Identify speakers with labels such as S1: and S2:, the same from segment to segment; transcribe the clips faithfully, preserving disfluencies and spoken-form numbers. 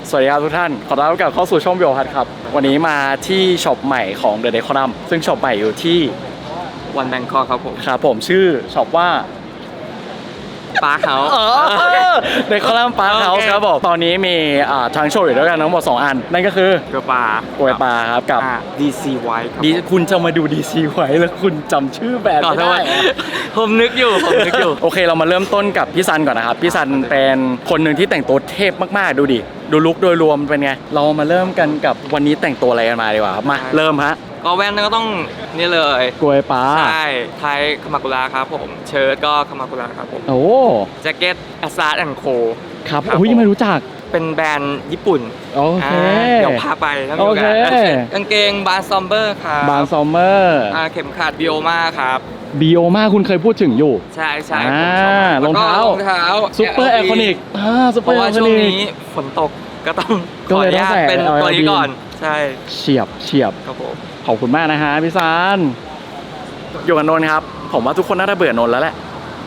S1: สวัสดีครับทุกท่านขอต้อนรับเข้าสู่ช่องบิโอพัทครับวันนี้มาที่ช็อปใหม่ของ The Decorum ซึ่งช็อปใหม่อยู่ที่
S2: วันแบงคอกครับผม
S1: ครับผมชื่อช็อปว่า
S2: ปาร์คเฮาส์
S1: เดคอลัมปาร์คเฮาส์ครับผมตอนนี้มีทางโชว์อยู่ด้วยกันทั้งหมดสองอันนั่นก็คือ
S2: เกลือปลา
S1: เกลือปลาครับกับ
S2: ดี ซี ไวท์
S1: ดีคุณจะมาดู ดี ซี ไว้แล้วคุณจำชื่อแบรนด์ไม่ได้
S2: ผมนึกอยู่ผมนึกอยู่
S1: โอเคเรามาเริ่มต้นกับพี่ซันก่อนนะครับพี่ซันเป็นคนหนึ่งที่แต่งตัวเทพมากๆดูดิดูลุคโดยรวมเป็นไงเรามาเริ่มกันกับวันนี้แต่งตัวอะไรกันมาดีกว่าครับมาเริ่มฮะ
S2: ก็แว่นก็ต้องนี่เลย
S1: กล้วยปลา
S2: ใช่ไทยคามากุระครับผมเชิ้ตก็คามากุระครับผม
S1: โอ้
S2: แจ็คเก็ตอาซาร์ดแอนด์โค
S1: ครับโอ้ยไม่รู้จัก
S2: เป็นแบรนด์ญี่ปุ่น
S1: โอเค
S2: เดี๋ยวพาไปแล้วโอเคกางเกงบาร์ซอมเบอร์ครับ
S1: บาร์ซอมเบอร์
S2: เข็มขัดบิโอมาครับ
S1: บิโอมาคุณเคยพูดถึงอยู่
S2: ใช่ใช่
S1: รองเท้าร
S2: องเท้า
S1: ซุปเปอร์ไอคอนิกอ่าซุปเปอร์ไอคอนิกเพราะว่าช่วง
S2: นี้ฝนตกก็ต้องขออนุญาตเป็นตัวนี้ก่อนใช่
S1: เฉียบเฉียบ
S2: ครับผม
S1: ขอบคุณมากนะฮะพี่ซานอยู่กับนนท์ครับผมว่าทุกคนน่าจะเบื่อนนท์แล้วแหละ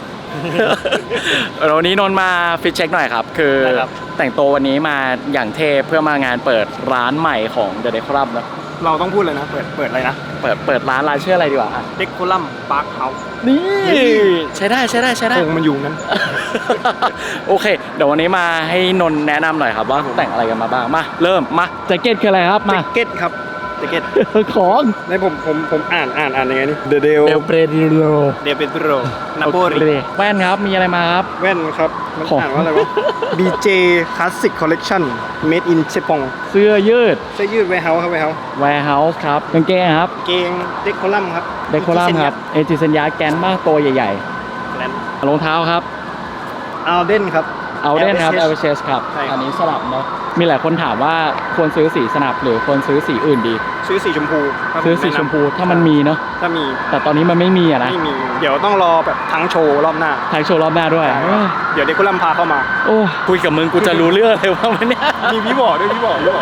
S1: วันนี้นนท์มาฟิตเช็คหน่อยครับคือแต่งตัววันนี้มาอย่างเทพเพื่อมางานเปิดร้านใหม่ของ The Decorum นะ
S2: เราต้องพูดเลยนะเปิดเปิดอะไรนะ
S1: เปิดเปิดร้านร้านชื่ออะไรดีกว่า
S2: Decorum Park House
S1: นี่ใช้ได้ใช้ได้ใช้ได้
S2: คงมันอยู่นั้น
S1: โอเคเดี๋ยววันนี้มาให้นนท์แนะนำหน่อยครับว่าแต่งอะไรกันมาบ้างมาเริ่มมาแจ็คเก็ตคืออะไรครับมา
S2: แจ็คเก็ตครับแจ็คเก็ต
S1: ของ
S2: ในผมผมผมอ่านอ่านอ่านยังไงนี่ The Del
S1: Del Pedro
S2: Del Pedro นาโปลี
S1: แว่นครับมีอะไรมาครับ
S2: แว่นครับมันอ่านว่าอะไรวะ บี เจ Classic Collection Made in Japan
S1: เสื้อยืด
S2: เสื้อยืด Warehouse ครับ Warehouse
S1: Warehouse ครับกางเกงครับ
S2: เกง Decorum ครับ
S1: Decorum ครับเอจิเซนยาแกนมากตัวใหญ่ๆรองเท้าครับ
S2: Alden ครับ
S1: Alden ครับ เอล เอช ครับอันนี้สลับเนาะมีหลายคนถามว่าควรซื้อสีสนับหรือควรซื้อสีอื่นดี
S2: ซื้อสีชมพู
S1: ซื้อสีชมพูถ้ามันมีเนาะ
S2: ถ้ามี
S1: แต่ตอนนี้มันไม่มีอะนะ
S2: ไม่มีเดี๋ยวต้องรอแบบทั้งโชว์รอบหน้า
S1: ทั้งโชว์รอบหน้าด้วย
S2: เดี๋ยวเด็กกุลัมพาเข้ามา
S1: โอ้คุยกับมึงกูจะรู้เรื่องเลยว่ามันเนี่ย
S2: มีพี่บอกด้วยพี่บอกด้วย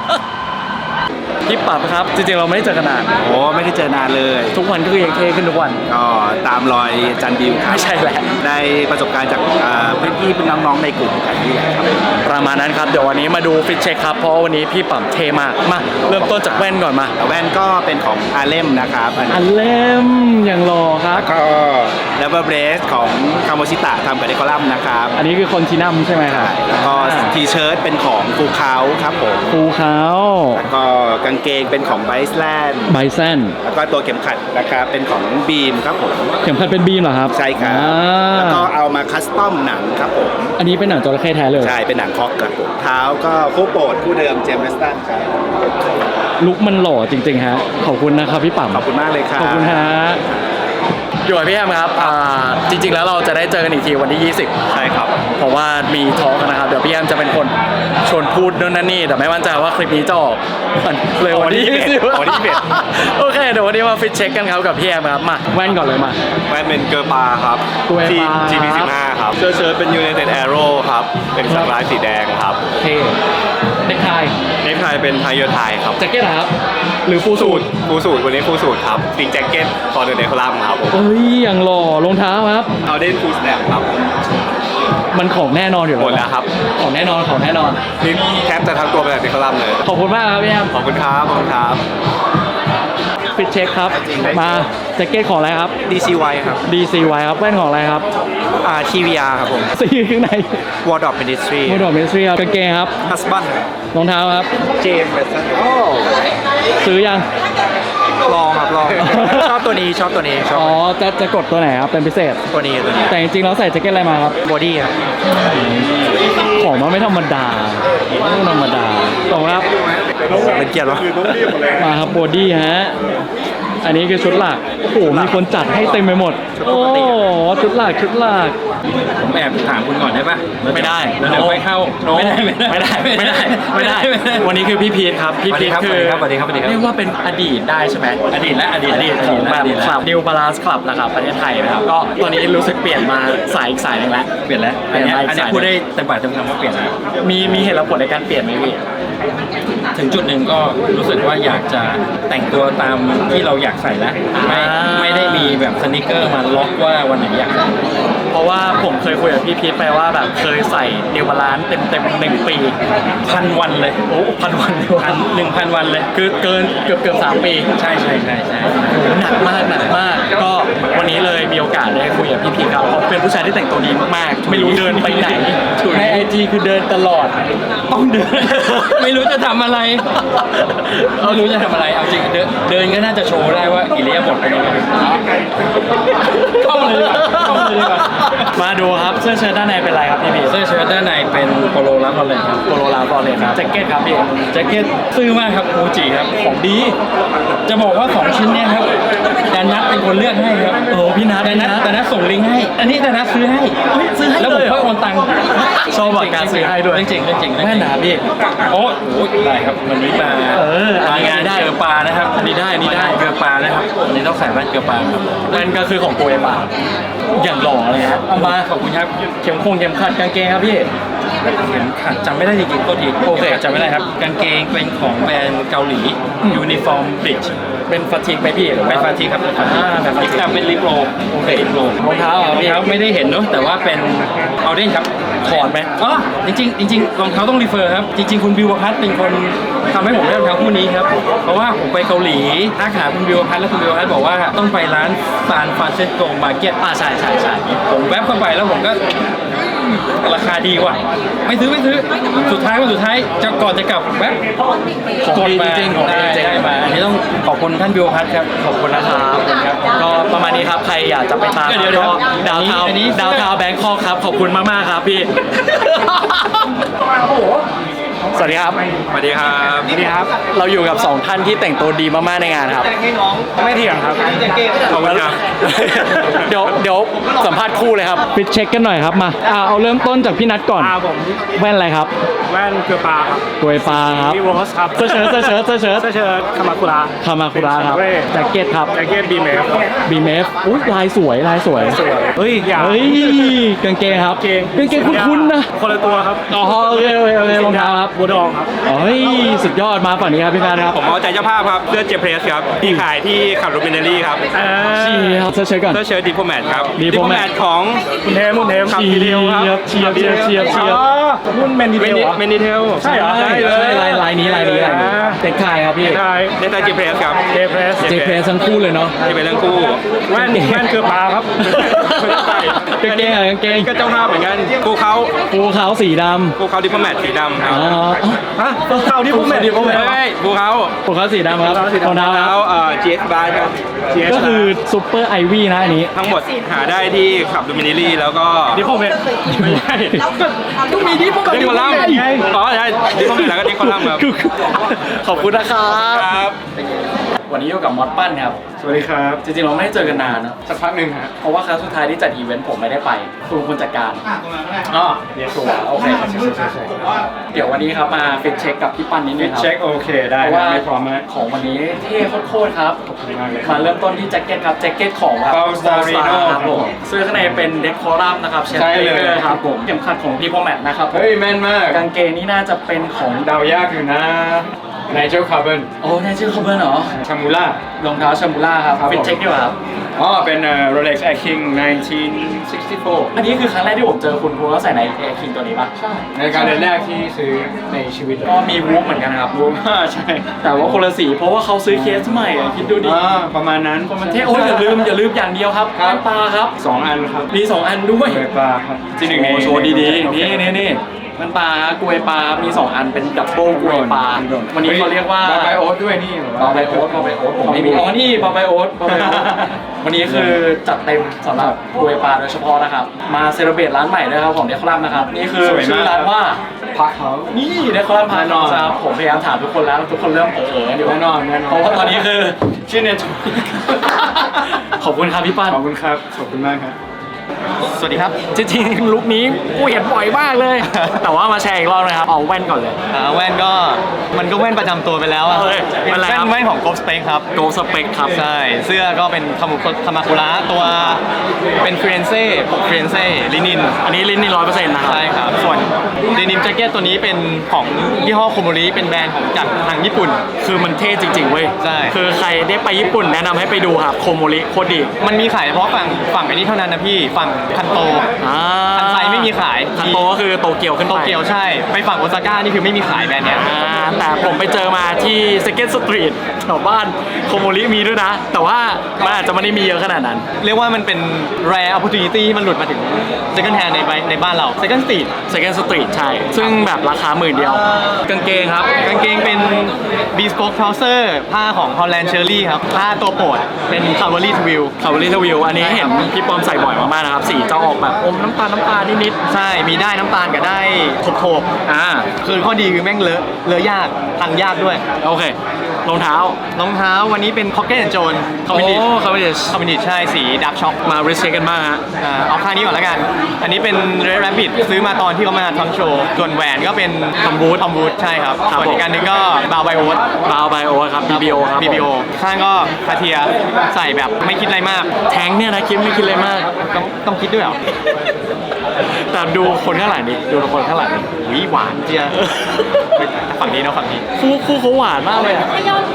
S1: พี่ปรับครับจริงๆเราไม่ได้เจอกันนาน
S3: โอ้ไม่ได้เจอนานเลย
S1: ทุกวันก็คือยังเท่ขึ้นทุกวัน
S3: ก็ตามรอยจันบิว
S1: ไม่ใช่แหละ
S3: ได้ประสบการณ์จากเพื่อนพี่เพื่อนน้องๆในกลุ่มกันนี่แหละครับ
S1: ประมาณนั้นครับเดี๋ยววันนี้มาดูฟิตเช็คครับเพราะวันนี้พี่ปั๊มเท่มากมาเริ่มต้นจากแว่นก่อนมา
S3: แว่นก็เป็นของอาเลมนะครับ
S1: อาเลมอย่างหล่อครับ
S3: ก็แล้วก็เบรสของคาโมชิตะทำกับเดคอลัมนะครับ
S1: อันนี้คือคอนทินัมใช่ไหมครับ
S3: แล้วก็ทีเชิ้ตเป็นของฟูคาวครับผม
S1: ฟูคาว
S3: แล้วก็กางเกงเป็นของไบส์แลนด์
S1: ไบส์แลนด์
S3: แล้วก็ตัวเข็มขัดนะครับเป็นของบีมครับผม
S1: เข็มขัดเป็นบีมเหรอครับ
S3: ใช่ครับแล้วก็เอามาคัสตอมหนังครับผม
S1: อันนี้เป็นหนังจระเข้แท้เลย
S3: ใช่เป็นหนังคอกครับผมเท้าก็คู่โปรดคู่เดิมเจมส์เวสตันครับ
S1: ลุคมันหล่อจริงๆฮะขอบคุณนะครับพี่ปั๊ม
S3: ขอบคุณมากเลยครับ
S1: ขอบคุณฮะอยู่กับพี่แอมครับจริงๆแล้วเราจะได้เจอกันอีกทีวันที่ยี่สิบ
S3: ใช่ครับ
S1: เพราะว่ามีทอล์กนะครับเดี๋ยวพี่แอมจะเป็นคนชวนพูดนู่นนั่นนี่แต่ไม่มั่นใจว่าคลิปนี้จะออกเลยวันที่ยี่สิบ
S3: วันที่ยี่สิบ
S1: โอเคเดี๋ยววันนี้มาฟิตเช็คกันครับกับพี่แอมครับมาแว่นก่อนเลยมา
S3: แว่นเป็นเกอร์ปาครับ
S1: ทีม
S3: จี พี สิบห้าครับเสื้อเชิ้ตเป็น United Arrow ครับเป็นสักลายสีแดงครับ
S1: เท่เน็กไท
S3: เน็กไทเป็นไทเยอร์ไทครับ
S1: แจ็คเก็ตครับหรือฟูสูท
S3: ฟูสูทวันนี้ฟูสูทครับติงแจ็คเก็ตคอร์เดเนคอลัมครับ
S1: เอ้ยอย่างหล่อรองเท้าครับ
S3: เอาเดนฟูสแนปครับ
S1: มันของแน่นอนอยู่แล้ว
S3: หมดแล้วครับ
S1: ของแน่นอนของแน่นอน
S3: นี่แคปจะทั้งตัวเป็นเนคอลัมเลย
S1: ขอบคุณมากครับพี่แอม
S3: ขอบคุณครับขอบคุณครับ
S1: ฟิตเช็คครับมาแจ็คเก็ตของอะไรครับ
S3: ดี ซี ไว ครับ
S1: ดี ซี ไว ครับแว่นของอะไรครับ
S3: อ่า ที วี อาร์ ครับผม
S1: สีข้างใน
S3: Wardrop Ministry
S1: Wardrop Ministry ครับกางเกงครับ
S3: Husband
S1: รองเท้าครับ
S3: James Weston
S1: โอ้ซื้อยัง
S3: ลองครับลองชอบตัวนี้ชอบตัวนี้ชอบ
S1: อ๋อจะจะกดตัวไหนครับเป็นพิเศษ
S3: ตัวนี้ตัวนี้
S1: แต่จริงๆแล้วใส่แจ็คเก็ตอะไรมาครับ
S3: บอดี้ครับ
S1: ของมันไม่ธรรมดาไม่ธรรมดาตรงครับ
S3: เป็นเกียรติวะ
S1: มาครับบอดี้ฮะอันนี้คือชุดหลักโอ้โหมีคนจัดให้เต็มไปหมดโอ้ชุดหลักชุดหลัก
S3: ผมแอบถามคุณก่อนได้ปะ
S1: ไม่ได้
S3: แล้วเดี๋ยวไม่เข้า
S1: ไม่ได้ไม่ได้ไม่ได้ไม่ได้วันนี้คือพี่พีทครับพี่พีทคือเรียกว่าเป็นอดีตได้ใช่ไหม
S3: อดีตและอดีต
S1: อดีตของแบบคลับ New Balance Club นะครับประเทศไทยนะครับก็ตอนนี้รู้สึกเปลี่ยนมาสายอีกสายนึงแล้ว
S3: เปลี่ยนแล้วอันนี้อันนี้พูดได้เต็มปากเต็มคำว่าเปลี่ยนแล้ว
S1: มีมีเหตุผลในการเปลี่ยนไหมพี่
S3: ถึงจุดหนึ่งก็รู้สึกว่าอยากจะแต่งตัวตามที่เราอยากใส่แล้วไม่ไม่ได้มีแบบสนิเกอร์มาล็อกว่าวันไหนอยากใส่
S1: เพราะว่าผมเคยคุยกับพี่พีทไปว่าแบบเคยใส่เนวบาลานซ์เต็มเต็มหนึ่งปีพันวันเลยโอ้พันวันพันหนึ่งพันวันเลยคือเกินเกือบเกือบสามปีใช่ใช่ใช่ใช่หนักมากหนักมากก็วันนี้เลยมีโอกาสได้คุยกับพี่พีทครับเขาเป็นผู้ชายที่แต่งตัวดีมากๆไม่รู้เดินไปไหนในไอจีคือเดินตลอดต้องเดิน
S4: ไม่รู้จะทำอะไรไม่รู้จะทำอะไรเอาจริงเดินเดินก็น่าจะโชว์ได้ว่าอิเลียบทเป็นยังไงเข้ามาเลยดีกว่าเข้ามาเลยดีกว่า
S1: มาดูครับเสื้อเชิ้ตด้านในเป็นไรครับพี่พีท
S4: เสื้อเชิ้ตด้านในเป็นโปโลลาฟอลเลนครับ
S1: โปโลลาฟอร์เรนครับแจ็คเก็ตครับพี่
S4: แจ็คเก็ตซื้อมากครับฟูจิครับของดี จะบอกว่าสองชิ้นเนี้ยครับแต่นัทเป็นคนเลือกให้ครับ
S1: โอ้พี่นัท
S4: แต่นัทแต่นัทส่งลิงก์ให้ อันนี้แต่นัทซื้อให้
S1: เฮ้ยซื้อให้
S4: แล้วผม
S1: เลยเหรอ
S4: ค่อยโอนตังค์
S1: ชอบแบบการซื้อให้ด้วย
S4: เรื่องจริงเรื่องจริงเรื่องจริง
S1: แม่หนาพี่
S4: โอ้โหได้ครับวันนี้มา
S1: เอออันนี้
S4: มางาน
S1: ได้
S4: เกลือปลานะครับ
S1: อันนี้ได้อันนี้ได้
S4: มางาเกลือปลานะครับอันนี้ต้องใส่แว่นเกลือปลาครับ
S1: มันก็คือของโกเอปาอย่างหล่อเลยครับเอามา
S4: ขอบคุณครับ
S1: เข็มคงเข็มขัดกางเกงครับพี่
S4: เข็มขัดจำไม่ได้จริงๆก็ที
S1: โอเค
S4: ข็มขัดจำไม่ได้ครับกางเกงเป็นของแบรนด์เกาหลียูนิฟอร์มบริดจ์
S1: เป็นฟาติกไหมพี่หรือ
S4: เป็น
S1: ว่า
S4: ฟาทีครับเป็นฟาที
S1: อ่าเป็นฟาติก
S4: เป็นลิปโร
S1: โอเค
S4: ลิปโร
S1: รองเท้าเหรอ
S4: รอง
S1: พี่
S4: เท้าไม่ได้เห็นเนอะแต่ว่าเป็นเอาเด้นครับ
S1: ถอดไหม
S4: อ๋อจริงๆจริงๆรองเท้าต้องรีเฟอร์ครับจริงๆคุณบิวพัทเป็นคนทำให้ผมได้รองเท้าคู่นี้ครับเพราะว่าผมไปเกาหลีทักหาคุณบิวพัทแล้วคุณบิวพัทบอกว่าต้องไปร้านซานฟรานซิสโกมาร์เก็ต
S1: อ่าใช่ใช่ใช่
S4: ผมแวบเข้าไปแล้วผมก็ราคาดีกว่าไม่ซื้อไม่ซื้อสุดท้ายวันสุดท้ายจะก่อนจะกลับแวบ
S1: ของดีจริงๆของดี
S4: ได้
S1: จริง
S4: ได้มาอันนี้ต้องขอบคุณท่านบิวพัทครับ
S1: ขอบคุณนะครับขอบคุณครับก็ประมาณนี้ครับใครอยากจะไปตาม
S4: เดี๋ยวเดี๋ยว
S1: ก็ดาวเทา
S4: อันนี้
S1: ดาวเทาแบงคอกครับขอบคุณมากๆครับพี่ สวัสดีครับ
S3: สวัสดีครับ
S1: นี่ครับ เราอยู่กับสองท่านที่แต่งตัวดีมากๆในงานครับ ไม่เถียงครับ
S3: ขอบคุณครับ
S1: เดี๋ยวเดี๋ยวสัมภาษณ์คู่เลยครับฟิตเช็คกันหน่อยครับมาอ่าเอาเริ่มต้นจากพี่นัทก่อน
S2: อ่าผม
S1: แว่นอะไรครับ
S2: แว่นเกลือปลาครับ
S1: กวยปลาครับ
S2: มีโรสครับ
S1: เสื้อเชิ้ตเสื้อเชิ้ตเสื้อเชิ้ต
S2: เสื้อเชิ้ตคามาคุระ
S1: คามาคุระครับแจ็คเก็ตครับ
S2: แจ็คเก็ตบีเมฟ
S1: บีเมฟอุ้ยลายสวยลายสวย
S2: สวยเฮ้ยอย่า
S1: เฮ้ยกางเกงครับ
S2: เกง
S1: กางเกงคุ้นๆนะ
S2: คนละตัวครับ
S1: อ๋อโอเคโอเคโอเครองเท้าครับ
S2: บัวดองครับ
S1: เฮ้ยสุดยอดมาฝั่งนี้ครับพี่การครับ
S3: ผมเอาใจเจ้าภาพครับเสื้อเจเพรสครับที่ขายที่ขับรูมินเนอรี่ครับ
S1: เชียร์เสื้อเชิ้ตก่อน
S3: เสื้อเชิ้ตดิโพแมทครับ
S1: Diplomat
S3: ของ
S2: คุณเทมคุณเทม
S3: ครับ
S1: เชียร์เชียร์เชียร์เชียร์เชียร์
S2: อ๋อรุ่นแมนดีเท
S3: เม
S2: ล
S3: นิ
S2: เหรอ
S3: เมนิเทล
S2: ใช่เหรอ
S1: ใช่เลยลายลายนี้ลายนี้ลายนี้
S2: อ่า
S1: เด็กขายครับพี่
S2: ใช่
S3: เนตาเจเพรสครับ
S2: เจเพรส
S1: เจเพสทั้งคู่เลยเนาะ
S3: ที่เป็นเรื่องคู่
S2: แว่นแว่นเกลือปลาครับไม่ได้ใส่
S1: กางเกงอะกางเกง
S3: ก็เจ้าภาพเหมือนกันคู่เขา
S1: ภูเขาสีด
S3: คู่เขาดิโพแมทสีดำค
S1: ำ
S3: รับ
S1: อ๋อ
S2: ฮะเข้าที่ผมแมนดีผมแมน
S3: เฮ้ยคู่เขา
S1: ภูเขาสีดำครับ
S2: ภูเขาสีดำ
S1: รองเท้าค
S3: แล้
S1: รับ
S3: วเอ่อ จี เอส Bar ครับ
S1: ก็คือซูเปอร์ไอวี่นะอันนี้
S3: ทั้งหมดหาได้ที่ขับรูมินเนอรี่แล้วก็
S2: ดีผมแมนไม่ใช่
S3: ต้องมีดิโพแมทดิโพลัมอ๋อใช่ดิโพแมทแล้วก็ดิโพลัมครับ
S1: ขอบคุณนะครับ
S3: ครับ
S1: วันนี้อยู่กับมอสปั้นครับ
S2: สวัสดีครับ
S1: จริงๆเราไม่ได้เจอกันนานนะ
S2: สักพักหนึ่งฮะ
S1: เพราะว่าครั้งสุดท้ายที่จัดอีเวนต์ผมไม่ได้ไปคุณเป็นคนจัดการ
S2: อ๋อ
S1: เรียกตัวโอเคเดี๋ยววันนี้ครับมาฟิตเช็คกับพี่ปั้นนิดนึงครับ
S2: เช็คโอเคได้
S1: เพราะ
S2: นะ
S1: ว่า
S2: ไม่พร้อมไหม
S1: ของวันนี้เท่โคตรๆครับ
S2: ขอบคุณมากเลย
S1: มาเริ่มต้นที่แจ็คเก็ตครับแจ็คเก็ตของแบบ
S2: Balsarino
S1: ครับผมเสื้อข้างในเป็นเดคอรัมนะครับเชฟ
S2: ใช่เลย
S1: ครับผมเข็มขัดของดีโพแมทนะครับผม
S2: เฮ้ยแม่นมาก
S1: กางเกงนี่น่าจะเป็นของ
S2: เดายากอยู่นะไนเจลคาร์บอน
S1: โอ้แน่ชื่อเขาเบิร์นเหรอ
S2: ชามูล่าร
S1: องเท้าชามูล่าครับ
S2: ครับ
S1: ฟิต
S2: ผม
S1: เช็คดีกว่าครับ
S2: อ๋อเป็น Rolex Air King หนึ่งพันเก้าร้อยหกสิบสี่
S1: อันนี้คือครั้งแรกที่ผมเจอคุณคุณก็ใส่ในแอร์คิงตัวนี้ป่ะใช่
S2: ในการเดินแรกที่ซื้อในชีวิตเลย
S1: ก็มีวูฟเหมือนกันครับ
S2: รู้ว่าใช่
S1: แต่ว่าคนละสีเพราะว่าเขาซื้อเคสใหม่อะคิดดูดิ
S2: อ่าประมาณนั้น
S1: มันเท่โอ้ยอย่าลืมอย่าลืมอย่างเดียวครับ
S2: ครับ
S1: แว่นตาครับ
S2: สองอันครับ
S1: มีสองอันด้วย
S2: เกลือปลาครับที่หนึ่งใน
S1: โอ้โชว์ดีๆ
S2: โอเค
S1: นี่นี่นี่มันปลากลวยปลา มีสองอันเป็นดับเบิลกลวยปลา วันนี้เขาเรียกว่า
S2: บาไบโอ๊ตด้วยนี่
S1: บาไบโอ๊ตบาไบโอ๊ตผมไม่มีอ๋อนี่บาไบโอ๊ตบาไบโอ๊ตวันนี้คือจัดเต็มสำหรับกลวยปลาโดยเฉพาะนะครับ มาเซเลบเรตร้านใหม่ด้วยครับของเดคอรัมนะครับ นี่คือชื่อร้านว่า
S2: พักเขา
S1: นี่เดคอรัมพาร์นอนครับผมพยายามถามทุกคนแล้วทุกคนเริ่มเออๆอยู่
S2: แน่นอนแน่นอน
S1: เพราะว่าตอนนี้คือชื่อเนทขอบคุณครับพี่ปั้น
S2: ขอบคุณครับขอบคุณมากครับ
S1: สวัสดีครับจริงๆลุคนี้กูเห็นบ่อยมากเลย แต่ว่ามาแชร์อีกรอบนะครับเอาแว่นก่อนเลย
S5: อ่าแว่นก็มันก็แว่นประจำตัวไปแล้วอะ
S1: เอ้ยแว่นอะไรครับ
S5: แว่นของโกลสเปคครับ
S1: โกสเปคครับ
S5: ใช่เสื้อก็เป็นคามุคามาคุระตัวเป็นฟรีนเซ่ปกฟรีนเซ่ลินิน
S1: อันนี้ลิ้นนี่ร้อยเปอร์เซ็นต์นะครับ
S5: ใช่ครับ ส่วนเดนิมแจ็คเก็ตตัวนี้เป็นของยี่ห้อโคโมริเป็นแบรนด์ของจากทางญี่ปุ่น
S1: คือมันเท่จริงๆเว้ย
S5: ใช่
S1: คือใครได้ไปญี่ปุ่นแนะนำให้ไปดูครับโคโมริโคตรดี
S5: มันมีขายเฉพาะฝั่งฝั่งไอ้นี้เท่านั้นนะพี่ฝั่งคันโต
S1: อ่า
S5: คันไซไม่มีขาย
S1: คันโตก็คือโตเกียวขึ้นไป
S5: โตเกียวใช่ ไปฝั่งโอซาก้านี่คือไม่มีขายแบรนด์เนี้ย
S1: อ่าแต่ผมไปเจอมาที่ Second Street แถวบ้านโคโมริมีด้วยนะ แต่ว่ามันอาจจะไม่ได้มีเยอะขนาดนั้น
S5: เรียกว่ามันเป็น rare opportunity ที่มันหลุดมาถึง second hand ในในบ้านเรา second street
S1: Second Street ใช่ ซึ่งแบบราคาหมื่นเดียว กางเกงครับ
S5: กางเกงเป็น bespoke trouser ผ้าของ Holland Cherry ครับ ผ้าตัวโปรดเป็น Cavalry Twill
S1: คาร์บอรี่ทวิวอันนี้เห็นพี่ปอมใส่บ่อยมากๆนะครับ สีจะออกแบบอมน้ำตาลน้ำตาลนิด
S5: ใช่ มีได้น้ำตาลกับได้โถบ
S1: ๆอ่า
S5: ๆคือข้อดีคือแม่งเลอะเลอะยากตังยากด้วย
S1: โอเค รองเท้าร
S5: องเท้าวันนี้เป็น Pocket and Jones
S1: โอ้
S5: Cavendish
S1: คาร์บอรี่
S5: Cavendish ใช่สี dark shock
S1: มาริเช็คกันบ้างฮะ
S5: อ่าเอาข้างนี้ก่อนแล้วกัน อันนี้เป็น Red Rabbit ซื้อมาตอนที่เขามาทำโชว์ ส่วนแหวนก็เป็น Tom Wood Tom Wood ใช่ครับ
S1: ครับ
S5: ส่วนอีกอันหนึงก็ Bow by Oat
S1: บาวไบโอครับ บี บี โอ ครับ
S5: บี บี โอ ข้างก็คาเทียใส่แบบไม่คิดอะไรมาก
S1: แทงเนี่ยนะคิดไม่คิดเลยมาก
S5: ต้องต้องคิดด้วยเหรอ
S1: แต่ดูคนข้างหลังดิดูคนข้างหลังดิ
S5: วิหวานเจียเฮ้ยฝั่งนี้เนาะฝั่งนี้
S1: คู่คู่เขาหวานมากเลยอ่ะ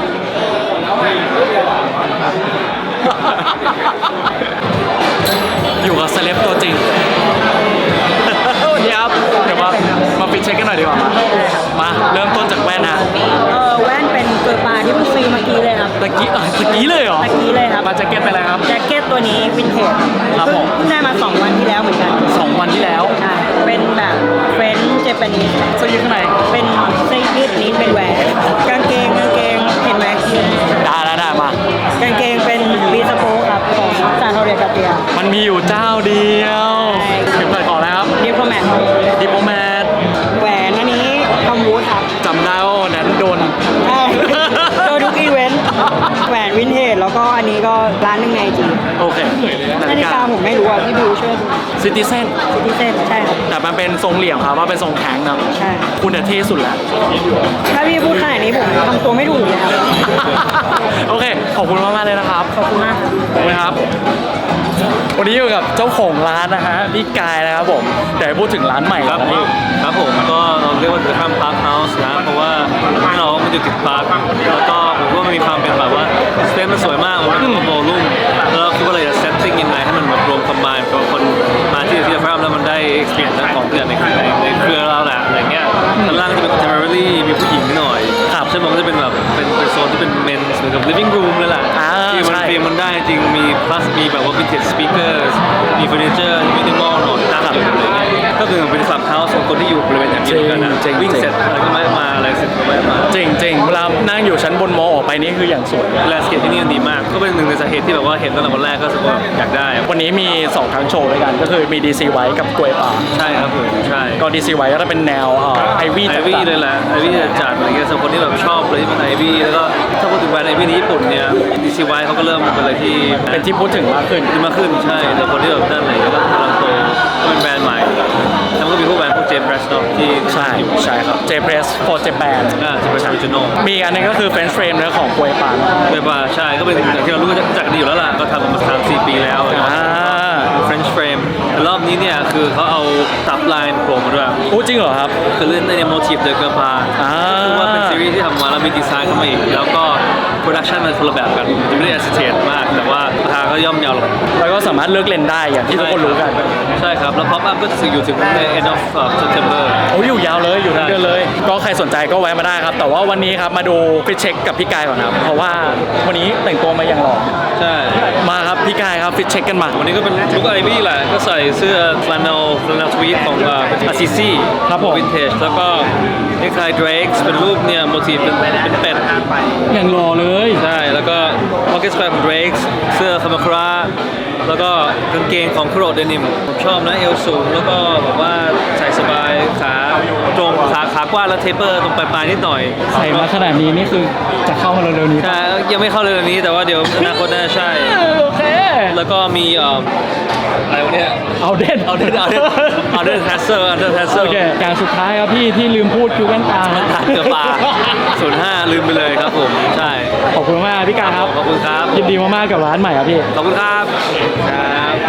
S1: อยู่กับเซเลบตัวจริงวันนี้ครับเดี๋ยวมามาปิดเช็คกันหน่อยดีกว่า มาเริ่มต้นจากแว่นนะ
S6: เออแว่นเป็นเกอร์ปาที่เพิ่งซื้อเมื่อกี้เลยครับ
S1: ตะกี้อ่ะตะกี้เลยเหรอ
S6: ตะกี้เลยครับ
S1: มาแจ็คเก็ตไปแล้วครับ
S6: แจ็คเก็ตตัวนี้วินเทจ
S1: ครับผม
S6: เพิ่งได้มาสองวันที่แล้วเหมือนกัน
S1: สองวันที่แล้ว
S6: ใช่เป็นแบบเฟรนช์เจแปนิส
S1: เสื้อยืดข้างใน
S6: เป็นเสื้อยืดนี้เป็นแหวนกางเกงกางเกงเห็นไหม
S1: ได้ได้ได้มาก
S6: างเกงเป็นบีสโปครับของซานโทเรียกาเตีย
S1: มันมีอยู่เจ้าเดียว
S6: ใช่
S1: ถึงเปิดของแล้วครับ
S6: ดิโพแมท
S1: ดิโปแมท
S6: แหวนอันนี้ทอมวูดครับ
S1: จำได้ว่าวันนั้นโดน
S6: ใช่โดยทุกอีเวนต์แหวนวินเทจแล้วก็อันนี้ก็ร้านหนึงในจี
S1: โอเค
S6: นาฬิกาผมไม่รู้อ่ะพี่บิวช่วยดู
S1: ซิติเซน
S6: ซิติเซนใช่ครับ
S1: แต่มันเป็นทรงเหลี่ยมครับว่าเป็นทรงแข็งนะ
S6: ใช่
S1: คุณน่ะเท่สุดแล้ว
S6: ถ้าพี่พูดขนาดนี้ผมทำตัวไม่ถูกเลยครับ
S1: โอเค ขอบคุณมากๆเลยนะครับ
S6: ขอบคุณมากครับ
S1: ขอบคุณครับ วันนี้อยู่กับเจ้าของร้านนะฮะพี่กายนะครับผมเดี๋ยวให้พูดถึงร้านใหม่
S3: ครับ
S1: นะพี่
S3: ครับผมก็เราเรียกว่าคือข้ามพาร์คเฮาส์นะเพราะว่าเรามันอยู่ติดพาร์คแล้วก็ผมว่ามันมีความเป็นแบบว่าสเปซมันสวยมากมันเป็นโวลุ่มแล้วเราคิดว่าเราจะเซตติ้งยังไงให้มันแบบรวมคอมบายกับคนมาที่ที่พาร์คแล้วมันได้ experience ทั้งของเพื่อนในในในเครือเราแหละอะไรเงี้ยด้านล่างจะเป็น contemporary มีผู้หญิงนิดหน่อย
S1: ครับ
S3: ใช่ไหมมันก็จะเป็นแบบเป็นเป็นโซนที่เป็น men's เหมือนกับ living room เลยแหละ
S1: อ่า
S3: ที่มัน
S1: ใช่
S3: ฟีลมันได้จริงมี plus มีแบบว่า vintage speakers มีเฟอร์นิเจอร์มินิมอลหน่อยตั้งอยู่อะไรเงี้ยก็คือเป็นคลับเฮาส์ของคนที่อยู่บริเวณอย่างนี้เหมือนกันนะ
S1: จริงๆ
S3: วิ่งเสร็จอะไรก็ไม่มาอะไรเสร็จก็ไม่มา
S1: จริงจริงๆเวลานั่งอยู่ชั้นบนมอออกไปนี่คืออย่างสวย
S3: แลนด์สเคปที่นี่มันดีมาก ก็เป็นหนึ่งในสาเหตุที่แบบว่าเห็นตั้งแต่วันแรกก็รู้สึกว่าอยากได้
S1: วันนี้มีสองทั้งโชว์ด้วยกัน ก็คือมี ดี ซี ไว้กับกล้วยป่า
S3: ใช่ครับผมใช่
S1: ก็ ดี ซี ไว้ก็จะเป็นแนวไอวี่
S3: ไอวี่เลยแหละไอวี่จัดอะไรเงี้ยสำหรับคนที่แบบชอบเลยที่เป็นไอวี่แล้วก็ถ้าพูดถึงแบรนด์ไอวี่ในญี่ปุ่นเนี่ยดีซีไวเขาก็เริ่มเป็นอะไรที่
S1: เป็นที่พูดถึงมากขึ้น
S3: ที่มากขึ้นใช่แต่คนที่แบบนั่นอะไรเงี้ยก็กำลังโตก็เป็นแบรนด์ใหม่แล้วก็มีพวกแบรนด์พวกเจมส์แบรสโนที่
S1: ใช่ใช่ครับ J Press for Japan
S3: อ่าจะเป็นออริจินอล
S1: มีอีกอันหนึงก็คือ French Frame เนื้อของกล้วยป่า
S3: เว็บว่าใช่ก็เป็นอย่างที่เรารู้กันจักดีอยู่แล้วล่ะก็ทำมาสามสี่ปีแล้ว
S1: อ่า
S3: French Frame แต่รอบนี้เนี่ยคือเขาเอาตับไลน์โผล่มาด้วย
S1: อู้จริงเหรอครับ
S3: คือเล่นในโมทีฟเดอะเกอร์พา
S1: อ่า
S3: คือว่าเป็นซีรีส์ที่ทำมาแล้วมีดีไซน์เข้ามาอีก แล้วก็โปรดักชันมันคนละแบบกันจะไม่ได้แอสเซทมาก แต่ว่าราคาก็ย่อมเยาลง
S1: แล้วก็สามารถเลือกเลนได้อย่างที่ทุกคนรู้กัน
S3: ใช่ครับ แล้ว Pop Up ก็จะอยู่ถึงใน end of September
S1: โอ้ยอยู่ยาวเลยอยู่ทั้งเดือนเลย ก็ใครสนใจก็แวะมาได้ครับ แต่ว่าวันนี้ครับมาดูฟิตเช็คกับพี่กายก่อนครับ เพราะว่าวันนี้แต่งตัวมาอย่างหล่อ
S3: ใช่
S1: มาครับพี่กายครับฟิตเช็คกันมา
S3: วันนี้ก็เป็นลุคไอวี่แหละ ก็ใส่เสื้อ flannel flannel tweed ของอาซิซี่
S1: ครับผม
S3: วินเทจแล้วก็นี่คลาย Drake เป็นรูปเนี่ยโมทีฟเป็นเป็นเป็ด
S1: อย่างหล่อเลย
S3: ใช่ แล้วก็ pocket square ของ Drake เสื้อคามาคราแล้วก็กางเกงของคุโรเดนิมผมชอบนะเอวสูง แล้วก็แบบว่าใส่สบายขาตรงขาขากว้างแล้วเทปเปอร์ตรงปลายๆนิดหน่อย
S1: ใส่มาขนาดนี้นี่คือจะเข้ามาเร็วๆนี้
S3: ใช่ยังไม่เข้าเลยวันนี้แต่ว่าเดี๋ยวอนาคตน่าจะใช่
S1: โอเค
S3: แล้วก็มีเอ่ออะไรวะเนี่ย
S1: เอาเด่น
S3: เอาเดินเอาเดินเอาเดินแทสเซอร์เอาเดินแทสเซอ
S1: โอ
S3: ร์
S1: เคอย่างสุดท้ายครับพี่ที่ลืมพูดคือแว่นตา
S3: มันถ่ายเกือบปลาศูนย์ห้าลืมไปเลยครับผมใช่
S1: ขอบคุณมากพี่กายครับ
S3: ขอบคุณครับ
S1: ยินดีมากๆกับร้านใหม่ครับพี่
S3: ขอบคุณครับครับ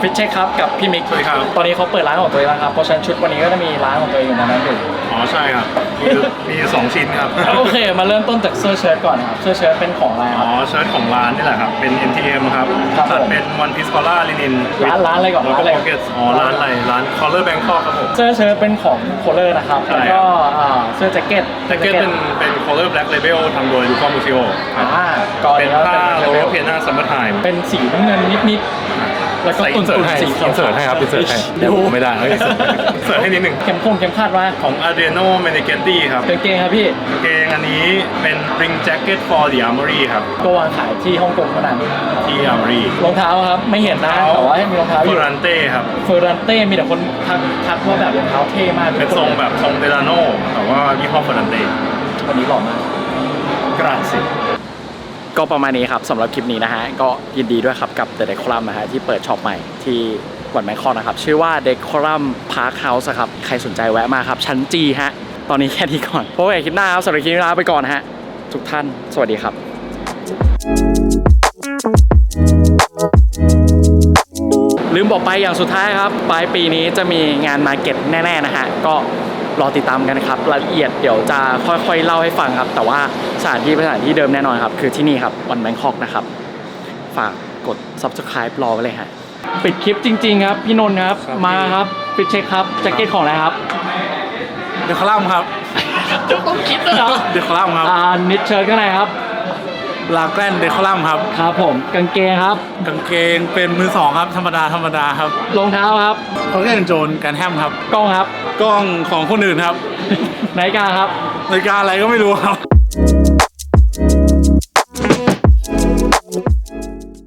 S1: ฟิชเช็คครับกับพี่มิก
S7: สวัสดีครับ
S1: ตอนนี้เขาเปิดร้านของตัวเองแล้วครับเพราะฉะนั้นชุดวันนี้ก็จะมีร้านของตัวเองอยู่ในนั้นอยู่
S7: อ๋อใช่ครับ มีมีสองชิ้นครับ
S1: โอเคมาเริ่มต้นจากเสื้อเชิ้ตก่อนนะครับเสื้อเชิ้ตเป็นของอะไรค
S7: อ๋
S1: รั
S7: อบ เชิ้ตของร้านนี่แหละครับ เป็น เอ็น ที เอ็ม ครับ
S1: ครับ
S7: ตัด
S1: ผม
S7: เป็น One Piece Collar Linen
S1: ร้านร้านอะไรก่อน
S7: แล้ว
S1: ร้านอะไร
S7: ก็ Pockets อ๋อ ร้านอะไร ร้าน Collar Bangkok ครับผม
S1: เสื้อเชิ้ตเป็นของโคเลอร์นะครับ
S7: ใช่
S1: แล้วก็อ่าเสื้อแจ็คเก็ต
S7: แจ็คเก็ตเป็นเป็น Collar Black Label ทำโดย Yuko Mushio ครับ
S1: อ่าก่อน
S7: เป็น
S1: แล้ว
S7: ผ้า
S1: เป็น
S7: Royal Piana Summer Time
S1: เป็นสีน้ำเงินนิดๆแล้วก็
S7: ใส่
S1: ตุ่
S7: อินเสิร์ต
S1: น
S7: ให้
S1: ๆสี
S7: อิ
S1: เขียวน
S7: เสิร์ตให้ครับอินเสิร์ตให้เดี๋ยวไม่ได้เอ้ยอินเสิร์ตอินเสิร์ตให้นิดหนึ่ง
S1: เข็มคงเข็มคาดว่า
S7: ของ Adriano Meneghetti ครับ
S1: กางเกงครับพี่
S7: กางเกงอันนี้เป็น Ring Jacket for the Armory ครับ
S1: ก็วางขายที่ฮ่องกงขนาดนี้
S7: ที่ Armory
S1: รองเท้าครับไม่เห็นนะแต่ว่ามีรองเท้าอ
S7: เฟ
S1: ยู่
S7: อรันเต้ครับ
S1: เฟอร์รันเต้มีแต่คนทักทักว่าแบบรองเท้าเท่มาก
S7: เป็นทรงแบบทรงเดลาโน่แต่ว่ายี่ห้อเฟอรันเต้
S1: วันนี้หล่อมาก
S7: กราซิ
S1: ก็ประมาณนี้ครับสำหรับคลิปนี้นะฮะก็ยินดีด้วยครับกับ The Decorum นะฮะที่เปิดช็อปใหม่ที่วันแบงคอกนะครับชื่อว่า Decorum Park House ครับใครสนใจแวะมาครับชั้นจีฮะตอนนี้แค่นี้ก่อนพบกันคลิปหน้าครับสำหรับคลิปนี้ลาไปก่อนฮะทุกท่านสวัสดีครับลืมบอกไปอย่างสุดท้ายครับปลายปีนี้จะมีงานมาร์เก็ตแน่ๆนะฮะก็รอติดตามกันนะครับรายละเอียดเดี๋ยวจะค่อยๆเล่าให้ฟังครับแต่ว่าสถานที่เป็นสถานที่เดิมแน่นอนครับคือที่นี่ครับวันแบงคอกนะครับฝากกด Subscribe รอไว้เลยฮะปิดคลิปจริงๆครับพี่นนท์ครับมาครับปิดเช็คครับแจ็คเก็ตของอะไรครับ
S7: เดคอลัมครับ
S1: ต้องคิดด้วยเหรอ
S7: เดคอลัมครับ
S1: อ่านิดเชิ้ตข้างในครับ
S7: ลาแกรนเดคอลัมครับ
S1: ครับผมกางเกงครับ
S7: กางเกงเป็นมือสองครับธรรมดาธรรมดาครับ
S1: รองเท้าครับ
S7: เขาเรียกโจนกันแฮมครับ
S1: กล้องครับ
S7: กล้องของคนอื่นครับ
S1: นาฬิกาครับ
S7: นาฬิกาอะไรก็ไม่รู้ครับ